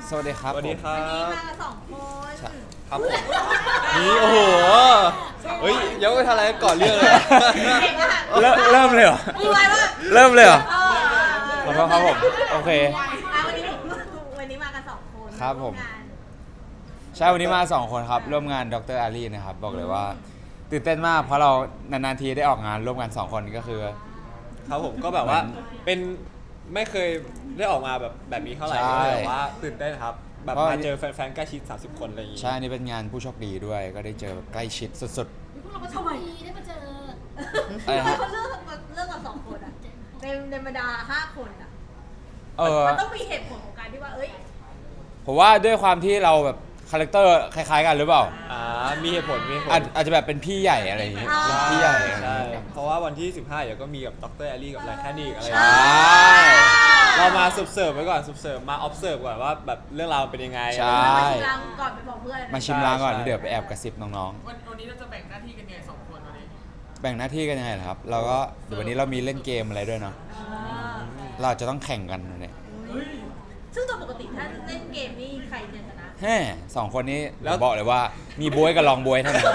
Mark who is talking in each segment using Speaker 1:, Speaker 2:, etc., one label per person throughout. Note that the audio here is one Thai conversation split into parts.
Speaker 1: สวัสดีครับ
Speaker 2: สวัสดีครั
Speaker 3: วันนี้
Speaker 2: บ
Speaker 3: มากัน2 คน
Speaker 2: ครับผมนี่โอ้โหเฮ้ยยังไม่ทันอะไรก่อนเรื่องเลย
Speaker 3: เก่งอะค่ะ
Speaker 1: เริ่มเลยเหรอ
Speaker 3: มือไวมาก
Speaker 1: เริ่มเลยเหรอ
Speaker 3: เออ
Speaker 1: ขอโทษครับผมโอเค
Speaker 3: วันนี้มากัน2 คน
Speaker 1: ครับผม
Speaker 3: วงาน
Speaker 1: ใช่วันนี้มา2 คนครับร่วมงานดรอารีนะครับบอกเลยว่าตื่นเต้นมากเพราะเรานานๆทีได้ออกงานร่วมกัน2 คนก็คือ
Speaker 2: ครับผมก็แบบว่าเป็นไม่เคยได้ออกมาแบบนี้เท่าไหร่
Speaker 1: ใช่
Speaker 2: ก็แบบว่าตื่นเต้นครับแบบ
Speaker 1: เพราะ
Speaker 2: มาเจอแฟนๆใกล้ชิด30 คนอะไรอย่างงี้
Speaker 1: ใช่นี่เป็นงานผู้โชคดีด้วยก็ได้เจอแบบใกล้ชิดสุด
Speaker 4: พวกเราก็โชคดีได้มาเจอ
Speaker 1: อะไรฮะ
Speaker 3: เขาเลือกกัน2 คนอะในบรรดา5 คนอะ
Speaker 1: ๆ
Speaker 3: มันต้องมีเหตุผลของการที่ว่าเอ้ย
Speaker 1: ผมว่าด้วยความที่เราแบบคาแรคเตอร์คล้ายๆกันหรือเปล่า
Speaker 2: มีเหตุผลมีเหตุผล
Speaker 1: อาจจะแบบเป็นพี่ใหญ่อะไรอย่างเงี้ยพี่ใหญ่อะไรอย่าง
Speaker 2: ใช่
Speaker 1: เงี้ย
Speaker 2: เพราะว่าวันที่ 15เดี๋ยวก็มีกับดรแอลลี่กับไลแคนนี่อะไรอ
Speaker 1: ใช
Speaker 2: ย่างเงี้ย่ เรามาเสิร์ฟไว้ก่อนเสิร์ฟมา observe ก่อนว่าแบบเรื่องราวเป็นยังไง
Speaker 1: ใช่
Speaker 3: มาชิมลางก่อนไปบอกเพื่อน
Speaker 1: มาชิมลางก่อน
Speaker 2: ใช่
Speaker 1: เดี๋ยวไปแอบกระซิบน้อง
Speaker 5: วันนี้เราจะแบ่งหน้าที่กันยังไง2 คนวันนี้
Speaker 1: ๆ แบ่งหน้าที่กันยังไงล่ะครับ เราก็เดี๋ยววันนี้เรามีเล่นเกมอะไรด้วยเนาะ
Speaker 3: เออ
Speaker 1: เราจะต้องแข่งกันเนี่ย
Speaker 3: ซึ่งตัวปกติถ้าเล่นเกมนี่ใครจะชนะ
Speaker 1: แฮ่2 คนนี้ผมบอกเลยว่ามีบวยกับลองบวยเท่านั้น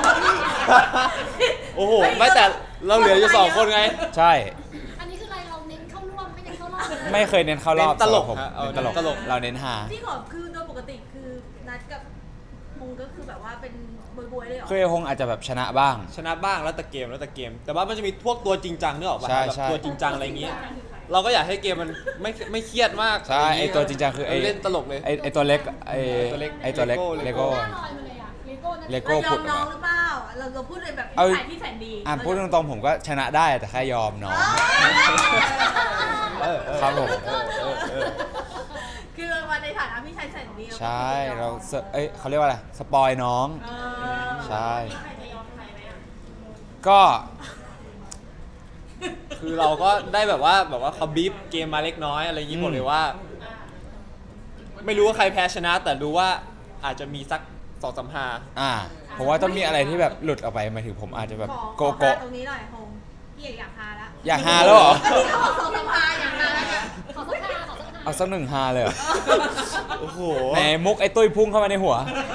Speaker 2: โอ้โหไม่แต่เราเหลืออยู่2 คนไง
Speaker 1: ใช่
Speaker 4: อันนี้คืออะไรเราเน้นเข้าร่วมไม่เน้นเข้ารอบเลย
Speaker 1: ไม่เคยเน้นเข้ารอบ
Speaker 2: เน้นตลก
Speaker 1: สำหรับผม
Speaker 2: ฮะเอา
Speaker 1: เน้นตลก
Speaker 2: ตลก
Speaker 1: เราเน้นหา
Speaker 3: ที่ขอคือโดยปกติคือนัดกับมุงก็คือแบบว่าเป็นบวยๆเลยเหรอ
Speaker 1: คือไอ้ฮงอาจจะแบบชนะบ้าง
Speaker 2: ชนะบ้างแล้วแต่เกม แต่ว่ามันจะมีพวกตัวจริงจังนึกออกป่ะ
Speaker 1: ใช่
Speaker 2: แบบ
Speaker 1: ใช่
Speaker 2: ตัวจริงจังอะไรอย่างงี้ เราก็อยากให้เกมมันไม่เครียดมาก
Speaker 1: ใช่
Speaker 2: ะรย่า
Speaker 1: ไอ
Speaker 2: งี้
Speaker 1: ตัวจริงจังคือไอ
Speaker 2: เล่นตลกเลย
Speaker 1: ไอตัวเล็กไอ
Speaker 2: ตัวเล็ก
Speaker 1: ไอตัวเล็ก
Speaker 2: เล
Speaker 1: เล
Speaker 2: โก้
Speaker 1: โก้
Speaker 4: หน้าลอยมาเลยอะเลโก้นะ
Speaker 1: เลโก้
Speaker 3: เรายอมน้องหรือเปล่าเราพูดเลยแบบ
Speaker 1: เอา
Speaker 3: นิสัยที่แสนดี
Speaker 1: พูดตรงๆผมก็ชนะได้แต่แค่ยอมน้อง
Speaker 2: เออ
Speaker 1: ครับผม
Speaker 3: คือมาในฐานะพี่ชายแสนดี
Speaker 1: ใช่เราเขาเรียกว่าอะไรสปอยน้อง
Speaker 3: เออ
Speaker 1: ใช่ ก็
Speaker 2: คือเราก็ได้แบบว่าเขาบีฟเกมมาเล็กน้อยอะไรอย่างงี้บอกเลยว่า ไม่รู้ว่าใครแพ้ชนะ แต่รู้ว่าอาจจะมีสัก2-3
Speaker 1: ผมว่าต้องมีอะไรที่แบบหลุดออกไปหมายถึงผมอาจจะแบบ
Speaker 3: ขอ
Speaker 1: โกโก้
Speaker 3: ตรงนี้หน่อยโฮมพี่อยากฮาละ
Speaker 1: อยากฮาแล้วเหรอ
Speaker 3: ก็ที่เขาบอกสองสามฮาอยากฮาแล้วเนี่ย
Speaker 4: ขอสักท่าขอสักท่า
Speaker 1: เอาสักหนึ่งฮาเลยเหรอ
Speaker 2: โอ้โห
Speaker 1: ไหนมุกไอ้ตุ้ยพุ่งเข้ามาในหัว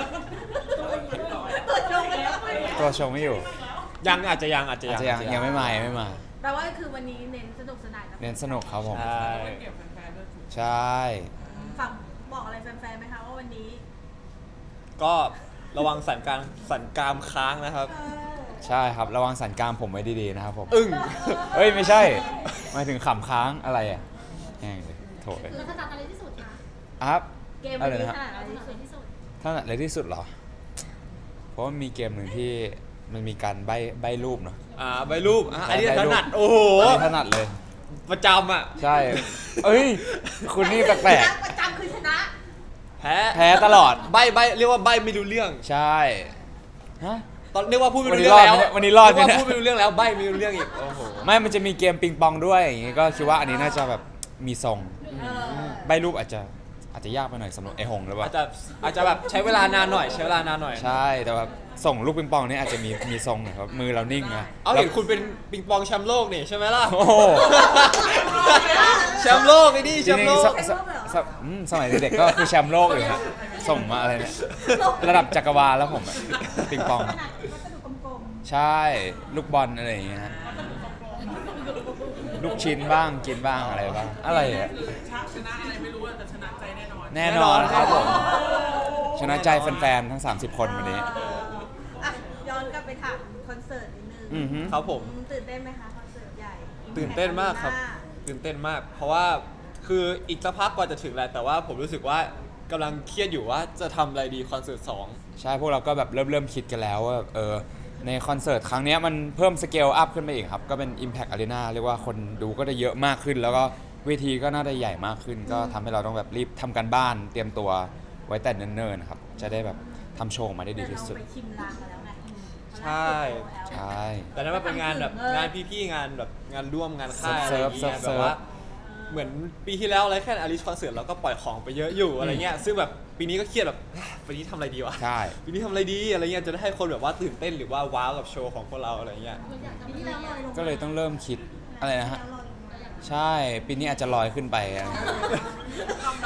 Speaker 3: ตัวจงเลย
Speaker 1: ตัวชงไม่อยู่
Speaker 2: ยังอาจจะยัง
Speaker 1: อาจจะยังไม่มายังไม่มา
Speaker 3: แปลว่าคือวันนี้เน้นสนุกสนานกับ
Speaker 1: เน้นสนุกครับผม
Speaker 2: ใช่
Speaker 5: เก็บแฟนๆด้วยถูก
Speaker 1: ใช่
Speaker 3: ฝั่งบอกอะไรแฟนๆไหมคะว่าวันนี้
Speaker 2: ก็ระวังสันกรามค้างนะครับ
Speaker 1: ใช่ครับระวังสันกรามผมไว้ดีๆนะครับผม
Speaker 2: อึ้ง
Speaker 1: เอ้ยไม่ใช่หมายถึงขำค้างอะไรอ่ะแห้งเลยโถเลย
Speaker 4: แล้วถนัดอะไรที่สุดคะ
Speaker 1: ครับ
Speaker 3: เกม
Speaker 1: อะ
Speaker 3: วัน
Speaker 1: ไร
Speaker 3: นี้
Speaker 1: นะค
Speaker 3: ข
Speaker 1: รับ
Speaker 3: นาดอะไร
Speaker 4: ถนัดอะไร
Speaker 3: ที่สุด
Speaker 4: ที่สุด
Speaker 1: ถนัดอะไรที่สุดเหรอ เพราะว่ามีเกมหนึ่งที่มันมีการใบรูปเนาะ
Speaker 2: ใบรูปอันนี้
Speaker 1: ใบ
Speaker 2: ถ
Speaker 1: รูป
Speaker 2: นัดโอ้โห
Speaker 1: อันนี้ถนัดเลย
Speaker 2: ประจำอ่ะ
Speaker 1: ใช่ เอ้ย คุณนี่แปลก
Speaker 3: ประจำคือชนะ
Speaker 2: แพ้
Speaker 1: ๆแพ้ตลอด
Speaker 2: ใบเรียกว่าใบไม่รู้เรื่อง
Speaker 1: ใช่ฮะ
Speaker 2: ตอนเรียกว่าพูดไม่
Speaker 1: วัน
Speaker 2: รู้
Speaker 1: นี้
Speaker 2: เรื่องแล้ว
Speaker 1: รอดไหมเนี่ยวันนี้รอดไหม
Speaker 2: เรียก
Speaker 1: เนี่ย
Speaker 2: ว่าพูดไม่รู้เรื่องแล้วใบไม่รู้เรื่องอีกโอ้โห
Speaker 1: ไม่มันจะมีเกมปิงปองด้วยอย่างงี้ก็คิดว่าอันนี้น่าจะแบบมีทรง
Speaker 3: เออ
Speaker 1: ใบรูปอาจจะยากไปหน่อยสำหรับไอ้หงหรือเป
Speaker 2: อา
Speaker 1: ล่า
Speaker 2: จจะแบบใช้เวลานานหน่อย
Speaker 1: ใช่แต่ว่าส่งลูกปิงปองนี่อาจจะมีทรงหน่อยครับมือเรานิ่งนะ
Speaker 2: เอาเห็นคุณเป็นปิงปองแชมป์โลกนี่ใช่ไหมล่ะ
Speaker 1: โอ้โห
Speaker 2: แชมป์โลกไอ้นี่
Speaker 1: จ
Speaker 2: แช
Speaker 1: ริ
Speaker 2: มป์
Speaker 1: ง
Speaker 2: โล
Speaker 1: ๆ
Speaker 2: ก
Speaker 1: สมัยเด็กๆก็คือแชมป์โลกอยู่ครับส่งมาอะไรเนี่ยระดับจักรวาลแล้วผมอะปิงปอง
Speaker 4: ถนัดวัสดุกลม
Speaker 1: ใช่ลูกบอลอะไรอย่างเงี้ยฮะลูกชิ้นบ้างกินบ้างอะไรบ้างอะไรอะ
Speaker 5: ชนะอะไรไม่รู้อะแต่ชนะใจแน่นอน
Speaker 1: แน่นอนครับผมชนะใจแฟนๆทั้ง30 คนวันนี้
Speaker 3: อ่ะย้อนกลับไปถามคอนเสิร์ตนิดนึง
Speaker 1: อือฮึ
Speaker 2: ครับผม
Speaker 3: ตื่นเต้นไหมคะคอนเสิร์ตใหญ่
Speaker 2: ตื่นเต้นมากครับ ตื่นเต้นมาก เพราะว่าคืออีกสักพักกว่าจะถึงแหละแต่ว่าผมรู้สึกว่ากำลังเครียดอยู่ว่าจะทำอะไรดีคอนเสิร์ต2
Speaker 1: ใช่พวกเราก็แบบเริ่มคิดกันแล้วว่าในคอนเสิร์ตครั้งเนี้ยมันเพิ่มสเกลอัพขึ้นไปอีกครับ ก็เป็น Impact Arena เรียกว่าคนดูก็ได้เยอะมากขึ้น แล้วก็เวทีก็น่าจะใหญ่มากขึ้น ก็ทำให้เราต้องแบบรีบทำการบ้านเตรียมตัวไว้แต่เนิ่นๆนะครับจะได้แบบทำโชว์ออกมาได้ดีที่สุด
Speaker 3: แต่เราไปชิมลางมาแล้วไง
Speaker 2: ใช่
Speaker 1: ใช่
Speaker 2: แต่นั้นมันเป็นงานแบบงานพี่ๆงานแบบงานร่วมงานค่ายอะไรอย่างเงี้ย
Speaker 1: เซิ
Speaker 2: แบ
Speaker 1: ร์ฟ
Speaker 2: บว่าเหมือนปีที่แล้วอะไรแค่อลิสคอนเสิร์ตเราก็ปล่อยของไปเยอะอยู่อะไรเงี้ยซึ่งแบบปีนี้ก็เครียดแบบปีนี้ทำอะไรดีวะ
Speaker 1: ใช่
Speaker 2: ปีนี้ทำอะไรดีอะไรเงี้ยจะได้ให้คนแบบว่าตื่นเต้นหรือว่าว้าวกับโชว์ของพวกเราอะไรเงี้ย
Speaker 4: ๆเราอยากจะที่แล้วลอยลง
Speaker 1: ก็เลยต้องเริ่มคิดอะไรนะฮะใช่ปีนี้อาจจะลอยขึ้นไปอะไร
Speaker 5: คำเดา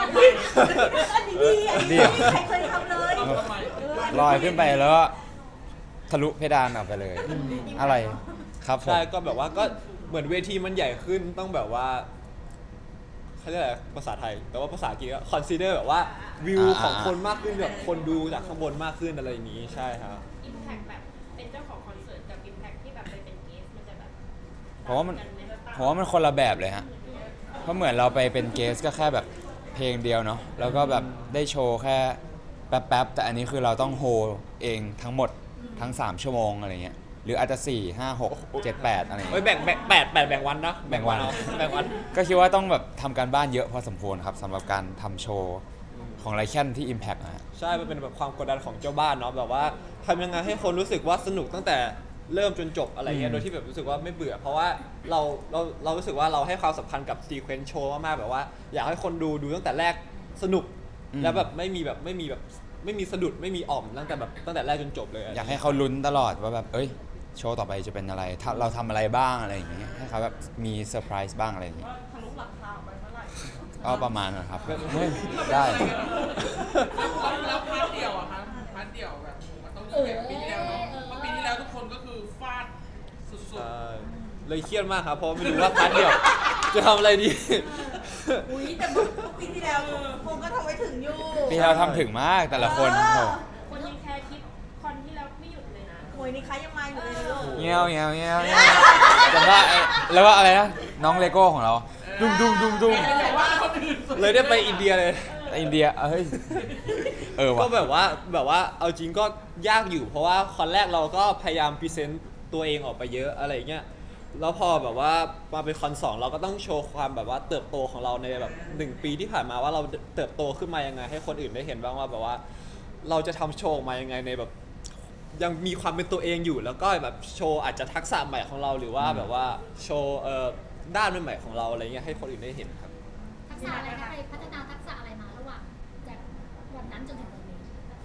Speaker 3: อันนี้ดีอันนี้ดีใครเคยทำเลย
Speaker 1: ลอยขึ้นไปแล้วก็ทะลุเพดานออกไปเลย อะไรครับผม
Speaker 2: ใช่ก็แบบว่าก็เหมือนเวทีมันใหญ่ขึ้นต้องแบบว่าเขาเรียกอะไรภาษาไทย แต่ว่าภาษาอังกฤษก็ consider แบบว่าวิวของคนมากขึ้นแบบคนดูจากข้างบนมากขึ้นอะไรอย่างนี้ใช่ครับ
Speaker 6: อิมแพคแบบเป็นเจ้าของคอนเสิร์ตกับอิมแพคที่แบบไปเป็นเกสมันจะแบบ
Speaker 1: ผมว่ามัน
Speaker 6: ต่งกัไห
Speaker 1: ผมว่ามันคนละแบบเลยฮะเพราะเหมือนเราไปเป็นเกสก็แค่แบบเพลงเดียวเนาะแล้วก็แบบได้โชว์แค่แป๊บๆแต่อันนี้คือเราต้องโฮเองทั้งหมดทั้ง 3 ชั่วโมงอะไรเงี้ยหรืออาจจะ 4 5 6 7 8 อะไรเงี้
Speaker 2: เฮ้ย
Speaker 1: ย
Speaker 2: แบ่งแบ่งวันนะ
Speaker 1: แบ่งวัน
Speaker 2: เอาแบ่งวัน
Speaker 1: ก็คิดว่าต้องแบบทำการบ้านเยอะพอสมควรครับสำหรับการทำโชว์ของไลแคนที่ Impact นะฮะ
Speaker 2: ใช่ มันเป็นแบบความกดดันของเจ้าบ้านเนาะแบบว่าทำยังไงให้คนรู้สึกว่าสนุกตั้งแต่เริ่มจนจบอะไรเงี้ยโดยที่แบบรู้สึกว่าไม่เบื่อ เพราะว่าเรารู้สึกว่าเราให้ความสำคัญกับซีเควนซ์โชว์มากๆแบบว่า อยากให้คนดูตั้งแต่แรกสนุก แล้วแบบไม่มีสะดุดไม่มีอ่อมตั้งแต่แรกจนจบเลย
Speaker 1: อยากให้เขาลุ้นตลอดว่าแบบเอ้ยโชว์ต่อไปจะเป็นอะไรเราทำอะไรบ้างอะไรอย่างเงี้ยให้เขาแบบมีเซอร์ไพรส์บ้างอะไรอย่างเงี้ย
Speaker 5: ทะลุหลังคาไปเมื่อไหร่
Speaker 1: ก็ประมาณนะครับเฮ้ยได้
Speaker 5: แล้วพาร์ทเดียวอะครับพาร์ทเดียวแบบมันต้องยิ่งใหญ่กว่าปีที่แล้วเนาะเพราะปีที่แล้วทุกคนก็คือฟาดสุด
Speaker 2: ใช่เลยเครียดมากครับเพราะไม่รู้ว่าพาร์ทเดียวจะทำอะไรดี
Speaker 3: อุ้ยแต่เมื่อปีที่แล้วคงก็ทำไว้ถึงอยู่
Speaker 1: พี่เราทำถึงมากแต่ละคนโอ้โห
Speaker 6: คนยังแคร์คลิปคอนที่แล้วไม่หยุดเลยนะ
Speaker 3: โอ้ยนี่คะยังมาอยู่เลยลูก
Speaker 1: เงี้ยวเงี้ยวเงี้ยวเงี้ยวแต่ว่าแล้วก็อะไรนะน้องเลโก้ของเราดุ้งดุ้งดุ้งดุ้ง
Speaker 5: ๆแต่ว่าคนอื่นสุด
Speaker 2: เลยได้ไปอินเดียเลย
Speaker 1: อินเดียเฮ้ยว่ะ
Speaker 2: ก็แบบว่าเอาจริงก็ยากอยู่ เพราะว่าคอนแรกเราก็พยายามพรีเซนต์ตัวเองออกไปเยอะอะไรเงี้ยแล้วพอแบบว่ามาเป็นคอน2เราก็ต้องโชว์ความแบบว่าเติบโตของเราในแบบ1 ปีที่ผ่านมาว่าเราเติบโตขึ้นมายังไง ให้คนอื่นได้เห็นบ้างว่าแบบว่า เราจะทำโชว์ออกมายังไงในแบบยังมีความเป็นตัวเองอยู่ แล้วก็แบบโชว์อาจจะทักษะใหม่ของเราหรือว่าแบบว่าโชว์ด้านใหม่ๆของเราอะไรเงี้ยให้คนอื่นได้เห็นครับ
Speaker 4: ทักษะอะไรนะใครพัฒนาทักษะอะไรมาระหว่างจากวันนั้นจนถึงวันนี้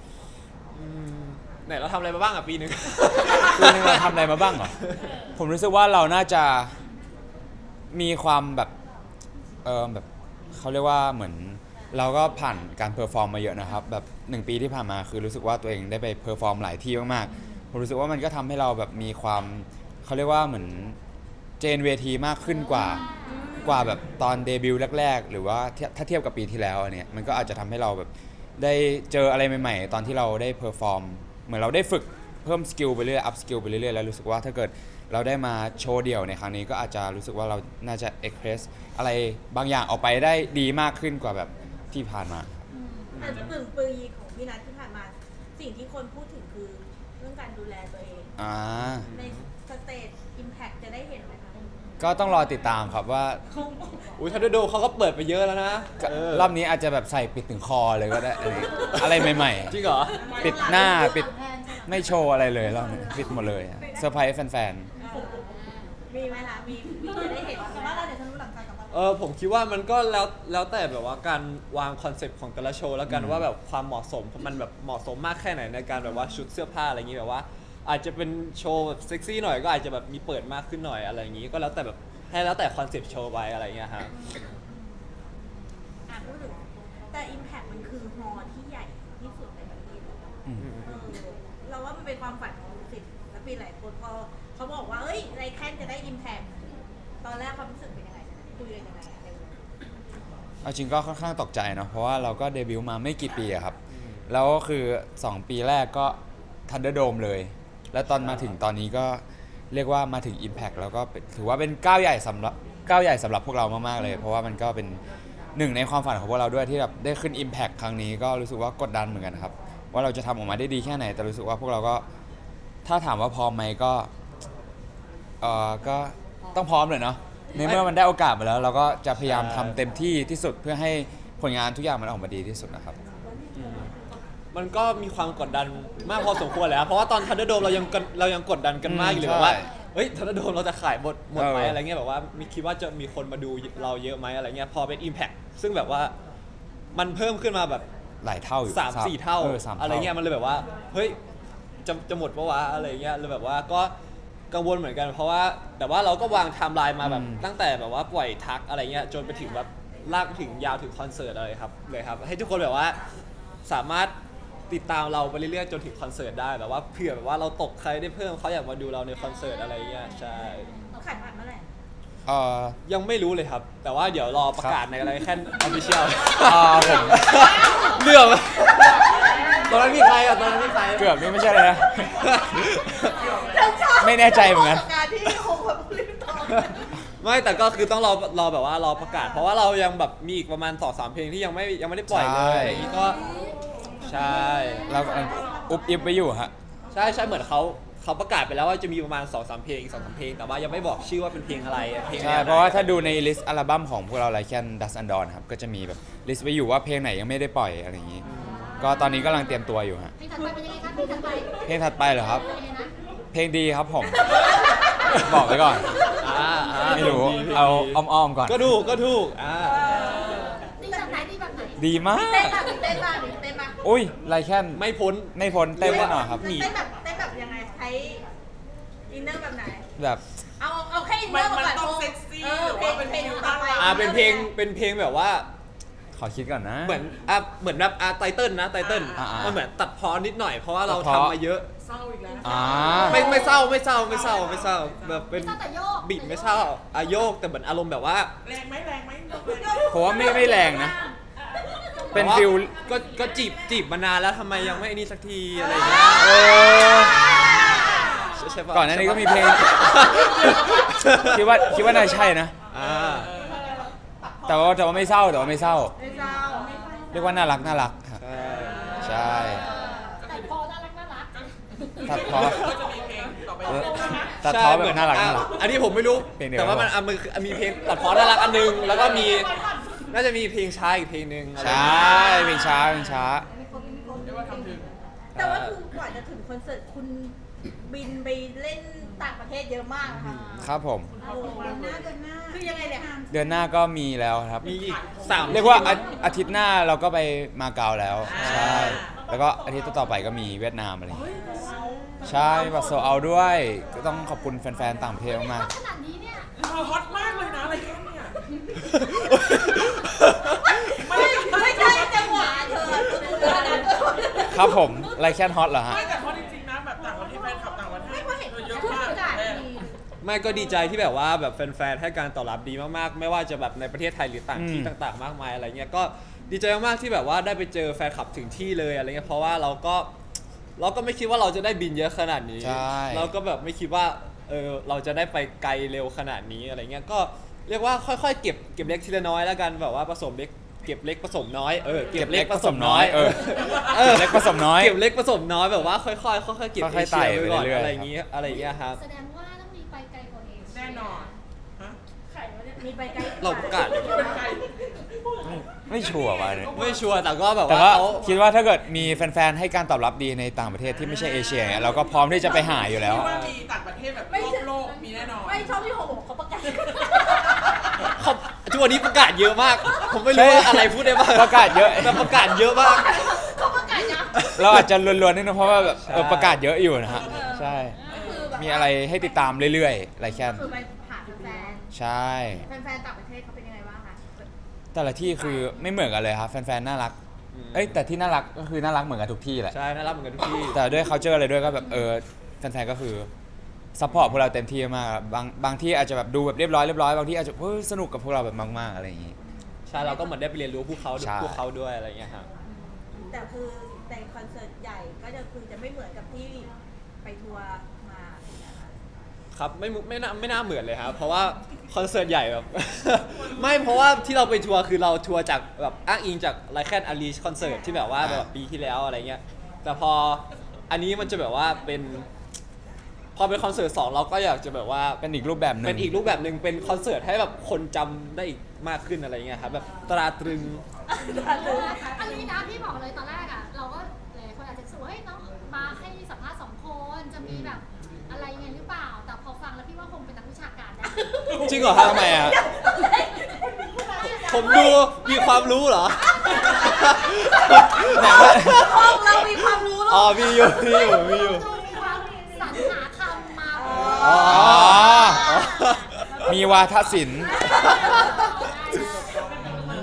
Speaker 2: ไหนเราทำอะไรมาบ้างอ่ะปีหนึ่ง
Speaker 1: ปีนึงเราทำอะไรมาบ้างเหรอผมรู้สึกว่าเราน่าจะมีความแบบแบบเขาเรียกว่าเหมือนเราก็ผ่านการเพอร์ฟอร์มมาเยอะนะครับแบบ1 ปีที่ผ่านมาคือรู้สึกว่าตัวเองได้ไปเพอร์ฟอร์มหลายที่มากๆผมรู้สึกว่ามันก็ทำให้เราแบบมีความเขาเรียกว่าเหมือนเจนเวทีมากขึ้นกว่าแบบตอนเดบิวต์แรกๆหรือว่าถ้าเทียบกับปีที่แล้วอันเนี้ยมันก็อาจจะทำให้เราแบบได้เจออะไรใหม่ๆตอนที่เราได้เพอร์ฟอร์มเหมือนเราได้ฝึกเพิ่มสกิลไปเรื่อยอัพสกิลไปเรื่อยๆแล้วรู้สึกว่าถ้าเกิดเราได้มาโชว์เดี่ยวในครั้งนี้ก็อาจจะรู้สึกว่าเราน่าจะเอ็กเพรสอะไรบางอย่างออกไปได้ดีมากขึ้นกว่าแบบที่ผ่านมา
Speaker 3: แต่1 ปีของพี่นัทที่ผ่านมา สิ่งที่คนพูดถึงคือเรื่องการดูแลตัวเอง ในสเตจอิมแพคจะได้เห็นไหมคะ
Speaker 1: ก็ต้องรอติดตามครับว่า
Speaker 2: อุ้ยทันโดเขาก็เปิดไปเยอะแล้วนะ
Speaker 1: รอบนี้อาจจะแบบใส่ปิดถึงคอเลยก็ได้อะไรใหม่
Speaker 2: จริงเหรอ
Speaker 1: ๆ ปิดหน้าปิดไม่โชว์อะไรเลยรอบนี้ปิดหมดเลยอะเซอร์ไพรส์แฟน
Speaker 3: มีไหมคะมีจะได้เห็นแต่ว่าเราเดี๋ยวทะลุหลังคากับว่า
Speaker 2: ผมคิดว่ามันก็แล้วแต่แบบว่าการวางคอนเซปต์ของแต่ละโชว์แล้วกันว่าแบบความเหมาะสมมันแบบเหมาะสมมากแค่ไหนในการแบบว่าชุดเสื้อผ้าอะไรอย่างนี้แบบว่า อาจจะเป็นโชว์แบบเซ็กซี่หน่อยก็อาจจะแบบมีเปิดมากขึ้นหน่อยอะไรอย่างนี้ก็แล้วแต่แบบให้แล้วแต่คอนเซปต์โชว์ไปอะไรอย่างเงี้ยฮะ
Speaker 3: พูดถึงแต่ Impact มันคือฮอลล์ที่ใหญ่ที่สุดในประเทศ
Speaker 1: ๆอืม
Speaker 3: เราว่ามันเป็นความฝันของศิลปินหลายคนพอเขาบอกว่าเอ้ยไรแคนจะได้ Impact ตอนแรกความรู้สึกเป็นยังไงคุยกันยังไงในวง
Speaker 1: เอาจริงก็ค่อนข้างตกใจเนาะเพราะว่าเราก็เดบิวต์มาไม่กี่ปีอะครับแล้วก็คือ 2 ปีแรกก็ Thunderdome เลย แล้วตอนมาถึงตอนนี้ก็เรียกว่ามาถึง Impact แล้วก็ถือว่าเป็นก้าวใหญ่สำหรับพวกเรามากๆเลย เพราะว่ามันก็เป็นหนึ่งในความฝันของพวกเราด้วยที่แบบได้ขึ้น Impact ครั้งนี้ก็รู้สึกว่ากดดันเหมือนกันครับว่าเราจะทำออกมาได้ดีแค่ไหนแต่รู้สึกว่าพวกเราก็ถ้าถามว่าพร้อมไหมก็ก็ต้องพร้อมเลยเนาะในเมื่อมันได้โอกาสมาแล้ว เราก็จะพยายามทำเต็มที่ที่สุดเพื่อให้ผลงานทุกอย่างมันออกมาดีที่สุดนะครับ
Speaker 2: มันก็มีความกดดันมากพอสมควรแล้วเพราะว่าตอนทันเดอร์โดมเรายังกดดันกันมากอยู่เลยแบบว่า
Speaker 1: ใช่
Speaker 2: เฮ้ยทันเดอร์โดมเราจะขายหมดไหม
Speaker 1: เอออ
Speaker 2: อะไรเงี้ยแบบว่ามีคิดว่าจะมีคนมาดูเราเยอะไหมอะไรเงี้ยพอเป็น Impact ซึ่งแบบว่ามันเพิ่มขึ้นมาแบบ
Speaker 1: หลายเท่าอยู่
Speaker 2: 3-4 เท่า
Speaker 1: สาม
Speaker 2: อะไรเงี้ยมันเลยแบบว่าเฮ้ยจะหมดปะวะอะไรเงี้ยเลยแบบว่าก็กังวลเหมือนกันเพราะว่าแต่ว่าเราก็วางไทม์ไลน์มาแบบตั้งแต่แบบว่าปล่อยทักอะไรเงี้ยจนไปถึงแบบลากไปถึงยาวถึงคอนเสิร์ตเลยครับให้ทุกคนแบบว่าสามารถติดตามเราไปเรื่อยๆจนถึงคอนเสิร์ตได้แบบว่าเผื่อแบบว่าเราตกใครได้เพิ่มเขาอยากมาดูเราในคอนเสิร์ตอะไรเงี้ยใช่
Speaker 3: ขายบัตรเมื่อไหร่
Speaker 2: ยังไม่รู้เลยครับ แต่ว่าเดี๋ยวรอประกาศในอะไรแค่ออฟฟิเชียล
Speaker 1: ผม
Speaker 2: เรื่องตอนนั้นมีใครอ่ะตอนนั้นมีใคร
Speaker 1: เกือบนี่ไม่ใช่เลยนะ ไม่แน่ใจเหมือนกัน
Speaker 3: การที่คงแบบรีบตอบ
Speaker 2: ไม่แต่ก็คือต้องรอแบบว่ารอประกาศ เพราะว่าเรายังแบบมีอีกประมาณ2-3 เพลงที่ยังไม่ได้ปล่อยเลยอะไรอย่างงี้ก็ใช่
Speaker 1: เรากำลังอุบอิบไปอยู่ฮะ
Speaker 2: ใช่เหมือนเขาประกาศไปแล้วว่าจะมีประมาณ2-3 เพลงอีก2-3 เพลงแต่ว่ายังไม่บอกชื่อว่าเป็นเพลงอะไรเพลง
Speaker 1: ใช่
Speaker 2: แนวไหน
Speaker 1: เพราะว่าถ้าดูในลิสต์อัลบั้มของพวกเราไลแคนดัสอันดอนครับก็จะมีแบบลิสต์ไว้อยู่ว่าเพลงไหนยังไม่ได้ปล่อยอะไรอย่างนี้ ก็ตอนนี้กำลังเตรียมตัวอยู่ฮะ
Speaker 4: เพลงถัดไปเป็นยังไงคะเพลงถัดไป
Speaker 1: เพลงถัดไปเหรอครับ
Speaker 4: เป็นยังไงนะ
Speaker 1: เพลงดีครับผม บอกไว้ก่อน ไม่รู้ เอาอ้อมๆก่อน
Speaker 2: ก็ถูก
Speaker 4: ดีแบบไหนดีแบบไหน
Speaker 1: ดีมาก
Speaker 3: เต้นแบบเต้นบ้างเต้นบ้าง
Speaker 1: อุ้ยไลแคน
Speaker 2: ไม่พ้น
Speaker 1: ไม่พ้นเต้นแน่นอนครับ
Speaker 2: หนี
Speaker 3: เต้นแบบยังไงใช้อินเนอร์แบบไหน
Speaker 1: แบบ
Speaker 3: เอาแค่อินเนอร์
Speaker 5: มัน
Speaker 3: ก่อน
Speaker 5: ต้องเซ็กซี่
Speaker 3: เพลง
Speaker 5: หรือว่าเป็น
Speaker 3: เพลง
Speaker 5: ฟิล
Speaker 3: ต่อไป
Speaker 2: เป็นเพลงแบบว่า
Speaker 1: ขอคิดก่อนนะ
Speaker 2: เหมือนแบบไตเติ้ลนะไตเติ้ล
Speaker 1: อ่าๆ
Speaker 2: มันเหมือนตัดพอนิดหน่อยเพราะว่าเรา
Speaker 1: ตัดพ้อ
Speaker 2: ทำมาเยอะ
Speaker 5: เศร้าอีกแล้ว
Speaker 1: อ่า
Speaker 2: ไม่เศร้าแบบเป็น
Speaker 4: ไม่ต้องแต่โยก
Speaker 2: บีบไม่เศร้าโยกแต่เหมือนอารมณ์แบบว่า
Speaker 5: แรงไหม
Speaker 1: ผมว่าไม่แรงนะ เป็นฟิล
Speaker 2: ก็จีบมานานแล้วทำไมยังไม่ไอ้นี่สักทีอะไรอย่างเงี้ย
Speaker 1: เออ
Speaker 2: ใช่ปะ
Speaker 1: ก่อนหน้านี้ก็มีเพลง คิดว่าน่าใช่นะ
Speaker 2: อ่า
Speaker 1: แต่ว่าไม่เศร้า
Speaker 3: ไม่เศร้า
Speaker 1: เรียกว่าน่ารักครับ
Speaker 2: ใช่
Speaker 1: ใช่
Speaker 4: แต่พอน่ารัก
Speaker 1: ตัดเพอ
Speaker 5: ก็จะมีเพลงต่อไป
Speaker 1: ตัดเพอแบบน่ารัก
Speaker 2: อันนี้ผมไม่รู้
Speaker 1: เพลงเดียว
Speaker 2: แต่ว่ามันมีเพลงตัดพอน่ารักอันนึงแล้วก็มีน่าจะมีเพลงช้าอีกเพลงนึงอะไร
Speaker 1: ใช่เพลงช้า
Speaker 5: เรียกว่าทำถึง
Speaker 3: แต่ว่าคือกว่าจะถึงคอนเสิร์ตคุณบินไปเล่นต่างประเทศเยอะมากนะคะ
Speaker 1: ครับผม
Speaker 3: โอ้โหเดือนหน้าคือยังไงเนี่ย
Speaker 1: เดือนหน้าก็มีแล้วครับ
Speaker 2: มีอีก3
Speaker 1: เรียกว่าอาทิตย์หน้าเราก็ไปมาเก๊าแล้ว ใช่ แล้วก็อาทิตย์ต่อไปก็มีเวียดนามอะไรอย่างงี้ใช่บัตรโซเอาด้วย ก็ต้องขอบคุณแฟนๆต่างประเทศมาก
Speaker 4: ขนาดนี้เนี่ย
Speaker 5: เราฮอตมากเลยนะอะไรแค่เนี่ย
Speaker 3: ไม่ใช่จังหวะเธอคุณเดือนนั้น
Speaker 1: ๆครับผมไลแคนฮอตเหรอฮะ
Speaker 5: ไม่แต่เพราะจริงๆนะแบบต่างประเทศแฟนคลับต่างประเทศเยอะมาก
Speaker 2: ไม่ก็ดีใจที่แบบว่าแบบแฟนๆให้การตอบรับดีมากๆ ไม่ว่าจะแบบในประเทศไทยหรือต่างที่
Speaker 1: อืม
Speaker 2: ต่างๆ มากมายอะไรเงี้ยก็ดีใจมากๆที่แบบว่าได้ไปเจอแฟนคลับถึงที่เลยอะไรเงี้ยเพราะว่าเราก็ไม่คิดว่าเราจะได้บินเยอะขนาดนี้
Speaker 1: ใช่
Speaker 2: เราก็แบบไม่คิดว่าเราจะได้ไปไกลเร็วขนาดนี้อะไรเงี้ยก็เรียกว่าค่อยๆเก็บเล็กทีละน้อยแล้วกันแบบว่าผสมเล็กเก็บเล็กผสมน้อยเก็บเล็กผสมน้อย
Speaker 1: เก็บเล็กผสมน้อย
Speaker 2: เก็บเล็กผสมน้อยแบบว่าค่อยๆค่อยๆเก็บ
Speaker 1: ค่อยๆไต่
Speaker 2: เอเชียไว้ก่อน
Speaker 1: ไปเรื่อยๆ
Speaker 2: อะไรอย่างเงี้ยครับ
Speaker 4: แสดงว่าต้องมีไปไกลกว่าเอเชีย
Speaker 5: แน่นอนฮะ
Speaker 3: มีไปไกล
Speaker 2: เราประกาศเลย
Speaker 5: เป็นใคร
Speaker 1: ไม่ชัวร์ว่ะเนี่ย
Speaker 2: ไม่ชัวร์แต่ก็แบบ
Speaker 1: แต่
Speaker 2: ว่า
Speaker 1: ว่า
Speaker 2: เขา
Speaker 1: คิดว่าถ้าเกิดมีแฟนๆให้การตอบรับดีในต่างประเทศที่ไม่ใช่เอเชียเนี่ยเราก็พร้อมที่จะไปหาอยู่แล้ว
Speaker 5: คิดว่ามีต่างประเทศแบบรอบโลกมีแน่นอน
Speaker 3: ไม่ชอบที่โฮบอกเขาประกาศ
Speaker 2: เขาทุกวันนี้ประกาศเยอะมาก ผมไม่รู้ว่าอะไรพูดได้บ้าง
Speaker 1: ประกาศเยอะ
Speaker 2: แต่ประกาศเยอะมาก
Speaker 3: เขาประกาศนะ
Speaker 1: เราอาจจะลวนๆนิดนึงเพราะว่าแบบ
Speaker 2: ใช่
Speaker 1: ประกาศเยอะอยู่นะฮะใช่
Speaker 3: คือแบบ
Speaker 1: มีอะไรให้ติดตามเรื่อยๆไลแคน
Speaker 3: คือไปหาแฟน
Speaker 1: ใช่
Speaker 3: แฟนต่างประเทศเขาเป็นยังไงบ้างคะ
Speaker 1: แต่ละที่คือไม่เหมือนกันเลยครับแฟนๆน่ารักเอ้ยแต่ที่น่ารักก็คือน่ารักเหมือนกันทุกที่แหละ
Speaker 2: ใช่น่ารักเหมือนกันทุกที่
Speaker 1: แต่ด้วย culture อะไรด้วยก็แบบแฟนๆก็คือซัพพอร์ตพวกเราเต็มที่มากครับบางที่อาจจะแบบดูแบบเรียบร้อยบางที่อาจจะสนุกกับพวกเราแบบมากๆอะไรอย่างงี้
Speaker 2: ใช่เราก็เหมือนได้ไปเรียนรู้พวกเขา
Speaker 1: ใช่
Speaker 2: ด้วยอะไรอย่างเงี้ยครับ
Speaker 3: แต่คือในคอนเสิร์ตใหญ่ก็จะไม่เหมือนกับที่ไปทัวร์มาถูกไหมคะ
Speaker 2: ครับไม่น่าเหมือนเลยครับเพราะว่าคอนเสิร์ตใหญ่แบบ ไม่เพราะว่าที่เราไปทัวร์คือเราทัวร์จากแบบอ้างอิงจากไลแคนอารีคอนเสิร์ตที่แบบว่าแบบปีที่แล้วอะไรเงี้ยแต่พออันนี้มันจะแบบว่าพอเป็นคอนเสิร์ต2เราก็อยากจะแบบว่า
Speaker 1: เป็นอีกรูปแบบหนึง
Speaker 2: เป็นอีกรูปแบบหนึ่งเป็นคอนเสิร์ตให้แบบคนจำได้อีกมากขึ้นอะไรเงี้ยครับแบบตราตรึง
Speaker 4: อันนี้นะพี่บอกเลยตอนแรกอ่ะเราก็หลายคนอาจจะรู้สึกว่าเฮ้ยน้องมาให้สัมภาษณ์2 คนจะมีแบบอะไรยังไงหรือเปล่า แต่พอฟังแล้วพี่ว่าคงเป็นนักวิชาการได้
Speaker 2: จริงเหรอครับ
Speaker 1: ทำไมอ่ะ
Speaker 2: ผมดูมีความรู้เหรอ
Speaker 3: ห้องเรามีความรู้
Speaker 2: อ๋
Speaker 3: ลู
Speaker 2: อก มีอยู่
Speaker 4: ดูมีความสรรหาคำมา
Speaker 1: อ๋อมีวาทศิลป์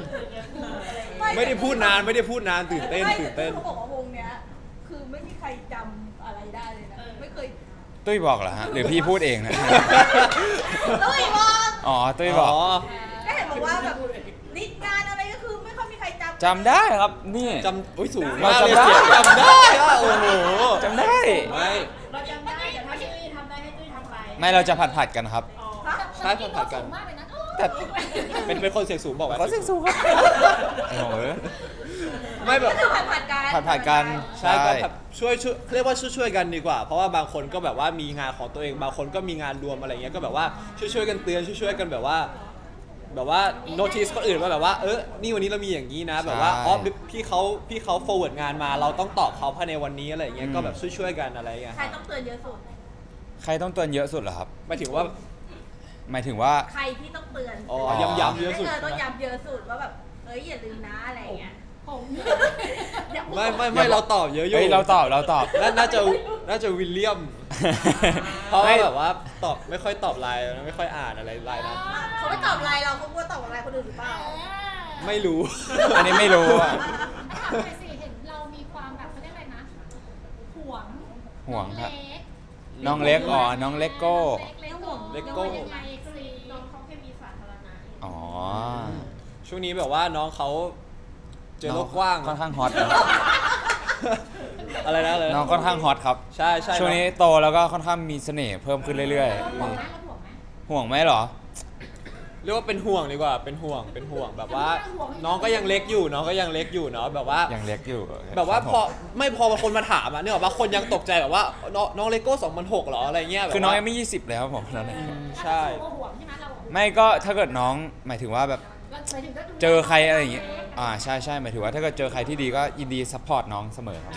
Speaker 2: ไม่ได้พูดนานตื่นเต้น
Speaker 3: ไม่เขาบอกว่าวงเนี้ยคือไม่มีใครจำอะไรได้เลยนะไม่เคย
Speaker 1: ตุ้ยบอกเหรอฮะหรือพี่พูดเองนะ
Speaker 3: ตุ้ยบอก
Speaker 1: อ๋อตุ้ยบอก
Speaker 3: ก็เห็นบอกว่าแบบนิดงานอะไรก็คือไม่ค่อยมีใครจำ
Speaker 1: จำได้ครับนี่
Speaker 2: จำอุ้ยสูง
Speaker 1: เรา
Speaker 2: มาก
Speaker 1: จำ
Speaker 2: เลย
Speaker 1: ได้
Speaker 2: เสียงจำได้อะโอ้โห
Speaker 1: จำได้
Speaker 2: ไม่
Speaker 6: เราจำได้แต่ถ้าตุ้ยทำได้ให้ตุ้ยทำไป
Speaker 1: ไม่เราจะผัดกันครับ
Speaker 6: อ๋อ
Speaker 3: ฮะ
Speaker 2: ใช่ผัดกัน
Speaker 4: สูงมากเลยนะ
Speaker 1: แต่
Speaker 2: เป็นคนเสียงสูงบอกไว้
Speaker 1: เขาเสียงสูงครับโอ้โห
Speaker 2: ไม่แบบ
Speaker 3: ก็คือผัดกัน
Speaker 1: ผัดกัน
Speaker 2: ใช่ก็แบบช่วยเรียกว่าช่วยกันดีกว่า เพราะว่าบางคนก็แบบว่ามีงานของตัวเองบางคนก็มีงานรวมอะไรเงี้ยก็แบบว่าช่วยกันเตือนช่วยกันแบบว่าโน้ติสคนอื่นว่าแบบว่านี่วันนี้เรามีอย่างนี้นะ แบบว่าอ๋อพี่เขา forward งานมาเราต้องตอบเขาภายในวันนี้อะไรเงี้ยก็แบบช่วยกันอะไรเงี้ย
Speaker 3: ใครต้องเตือนเยอะสุด
Speaker 1: ใครต้องเตือนเยอะสุดเหรอครับ
Speaker 2: หมายถึงว่า
Speaker 1: หมายถึงว่า
Speaker 3: ใครที่ต้องเตือน
Speaker 2: อ๋อย้ำเยอะสุด
Speaker 3: ไม่ต้องย้ำเยอะสุดว่าแบบอย่าลืมนะอะไรอย่างเงี้ย
Speaker 4: ผม
Speaker 3: อย่าพูด
Speaker 2: ไม่เราตอบเยอะอยู่
Speaker 1: เฮ้ยเราตอบ
Speaker 2: น่าจะวิลเลียม เพราะว่าแบบว่าตอบไม่ค่อยตอบไลน์ไม่ค่อยอ่านอะไรไลน์นะ
Speaker 3: เขาไม่ตอบไลน์เราเขากลัวตอบไลน์คนอื่นหรือเปล่า
Speaker 2: ไม่รู้
Speaker 1: อันนี้ไม่รู้อะ
Speaker 4: ถามไปสิเห็นเรามีความแบบเขาเรียกอะไรนะห่วง
Speaker 1: ห่วงครับ
Speaker 4: น้
Speaker 1: น้
Speaker 4: อ
Speaker 1: อง ง
Speaker 4: เล็
Speaker 1: เล็
Speaker 4: ก
Speaker 1: กอ๋อน้องเลโก้
Speaker 2: เลโก้
Speaker 4: ยังไงสิ
Speaker 6: น้องเขาแค่มีสาธารณะ
Speaker 1: อ๋อ
Speaker 2: ช่วงนี้แบบว่าน้องเขาเจอโลกกว้าง
Speaker 1: ค่อนข้างฮอต
Speaker 2: อะไรนะเลย
Speaker 1: น้องค่อนข้างฮอตครับ
Speaker 2: ใช่
Speaker 1: ช่วงนี้โตแล้วก็ค่อนข้างมีเสน่ห์เพิ่มขึ้นเรื่อย
Speaker 4: ห่วง
Speaker 1: ๆ
Speaker 4: ไหม
Speaker 1: นี่
Speaker 4: เราห่วงไหม
Speaker 1: ห่วงไหมเหรอ
Speaker 2: เรียกว่าเป็นห่วงดีกว่าเป็นห่วงแบบว่า น้องก็ยังเล็กอยู่เนาะแบบว่า
Speaker 1: ยังเล็กอยู่
Speaker 2: แบบว่า
Speaker 1: ครับ
Speaker 2: พอคนมาถามอะเนี่ยแบบว่าคนยังตกใจแบบว่าน้องเลโก้2006เหรออะไรเงี้ยแบบ
Speaker 1: คือน้อง
Speaker 2: ว่า
Speaker 1: ยังไม่ 20เลยครับผมตอนนี้
Speaker 2: ใช่
Speaker 4: เราห่วงใช่ไหมเราห่วง
Speaker 1: ไม่ก็ถ้าเกิดน้องหมายถึงว่าแบบ
Speaker 4: หมายถึงก็ดู
Speaker 1: เจอใครอะไรอย่างเงี้ยใช่หมายถึงว่าถ้าเกิดเจอใครที่ดีก็ยินดีซัพพอร์ตน้องเสมอครับ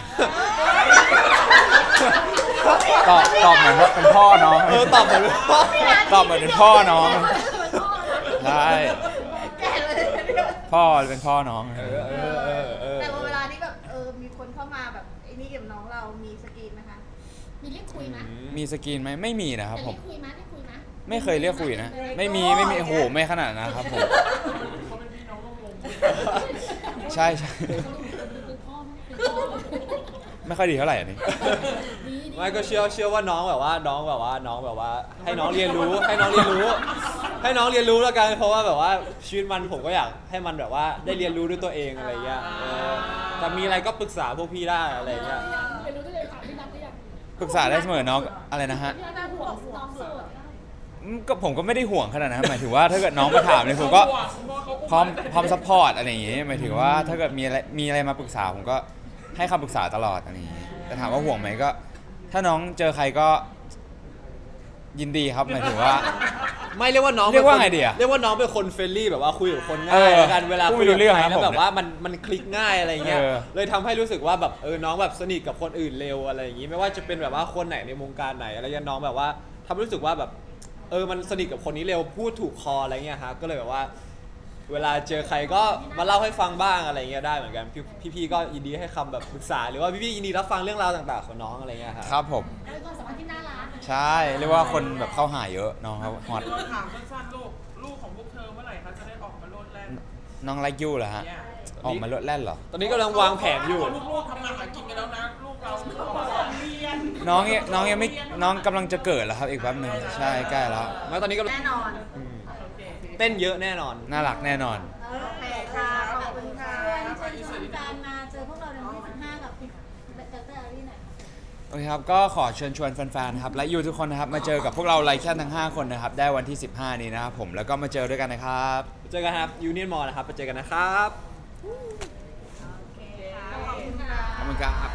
Speaker 1: ตอบเหมือนว่าเป็นพ่อน้อง
Speaker 2: ตอบเหมือน
Speaker 1: ตอบเหมือนเป็นพ่อน้องใช่
Speaker 3: แก่เลยเนี่ย
Speaker 1: พ่อเป็นพ่อน้อง
Speaker 3: แต่ว่าเวลาที่แบบมีคนเข้ามาแบบไอ้นี่กับน้องเรามีสกรีนไหมคะ
Speaker 4: มีเรียกคุยไหม
Speaker 1: มีสกรีนไหมไม่มีนะครับผม
Speaker 4: เรียกคุยไหมเรียกคุยไหม
Speaker 1: ไม่เคยเรียกคุยนะ ไม่มีโอ้โหไม่ขนาดนั้นนะครับผม
Speaker 5: เขาเป็นพี่น้องร่วมวง
Speaker 1: ใช่
Speaker 4: เป็นพ่อไหมเป็นพ่อไหม
Speaker 1: ไม่ค่อยดีเท่าไหร่อันนี้
Speaker 4: ดีดี
Speaker 2: ไม่ก็เชื่อว่าน้องแบบว่าให้น้องเรียนรู้ให้น้องเรียนรู้แล้วกันเพราะว่าแบบว่าชีวิตมันผมก็อยากให้มันแบบว่าได้เรียนรู้ด้วยตัวเองอะไรเงี้ยแต่มีอะไรก็ปรึกษาพวกพี่ได้อะไรเงี้ย
Speaker 4: เรียนรู้ได้เลยค่ะพี่นัทได้ยัง
Speaker 1: ปรึกษาได้เสมอน้องอะไรนะฮะ
Speaker 4: พี่นัทห่วงน้องโสด
Speaker 1: ก็ผมก็ไม่ได้ห่วงขนาดนั้นหมายถึงว่าถ้าเกิดน้องมาถามเนี่ยผมก็พร้อมซัพพอร์ตอะไรอย่างงี้หมายถึงว่าถ้าเกิดมีอะไรมาปรึกษาผมก็ให้คำปรึกษาตลอดอะไรอย่างงี้แต่ถามว่าห่วงไหมก็ ถ้าน้องเจอใครก็ยินดีครับหมายถึงว่า
Speaker 2: ไม่เรียกว่าน้อง
Speaker 1: เรียกว่าไงดีอะ
Speaker 2: เรียกว่าน้องเป็นคนเฟรนลี่แบบว่าคุยกับคนง่า
Speaker 1: เอยอ
Speaker 2: แล้วกันเวลา
Speaker 1: พูด
Speaker 2: คุย
Speaker 1: ไม่รู้
Speaker 2: กับ
Speaker 1: เรื่อง
Speaker 2: ใคร
Speaker 1: ครับ
Speaker 2: แล้ว
Speaker 1: ผม
Speaker 2: แบบว่ามันคลิกง่ายอะไรเงี้ย
Speaker 1: เออ
Speaker 2: เลยทำให้รู้สึกว่าแบบน้องแบบสนิทกับคนอื่นเร็วอะไรอย่างงี้ไม่ว่าจะเป็นแบบว่าคนไหนในวงการไหนอะไรเงี้ยน้องแบบว่าทำให้รู้สึกว่าแบบมันสนิทกับคนนี้เร็วพูดถูกคออะไรเงี้ยฮะก็เลยแบบว่า เวลาเจอใครก็มาเล่าให้ฟังบ้างอะไรเงี้ยได้เหมือนกันพี่ๆก็ยินดีให้คำแบบปรึกษาหรือว่าพี่ๆยินดีรับฟังเรื่องราวต่างๆของน้องอะไรเงี้ยครับ
Speaker 1: ครับผม
Speaker 4: เป็นความสัมพันธ์ที่น่ารัก
Speaker 1: ใช่เรียกว่าคนแบบเข้าหาเยอะน้องเขาฮอต
Speaker 5: ถามสั้นๆลูกของพวกเธอเมื่อไหร่คะจะได้ออกมาโลดแล่น
Speaker 1: น้องไลค์ยูเหรอฮะ
Speaker 5: เนี่ย
Speaker 1: ออกมาลดแล่นเหรอ
Speaker 2: ตอนนี้กำลังวางแผนอยู่
Speaker 5: ลูกๆทำงานหากินกันแล้วนะ ลูกเราเรียน
Speaker 1: น้องยังไม่น้องกำลังจะเกิดแล้วครับอีกแป๊บหนึงใช่ใกล้แล้ว
Speaker 2: แล้วตอนนี้ก็
Speaker 3: แน่นอน
Speaker 2: เต้นเยอะแน่นอน
Speaker 1: น่ารักแน่นอน
Speaker 3: โอเคค่ะขอบคุณค่ะ
Speaker 4: เชิญชวนการมาเจอพวกเราในวันที่15กับเดรอารีหน่อย
Speaker 1: โอเคครับ ก็ขอเชิญชวนแฟนๆ ครับและยูทุกคนนะครับ มาเจอกับพวกเราไลแคนทั้ง 5 คนนะครับ ได้วันที่ 15 นี้นะครับผม แล้วก็มาเจอด้วยกันนะครับ
Speaker 2: เจอกันครับยูเนียนมอลนะครับไปเจอกันนะครับ
Speaker 3: โอเคค่ะขอบคุณค่ะ
Speaker 1: ขอบคุณครับ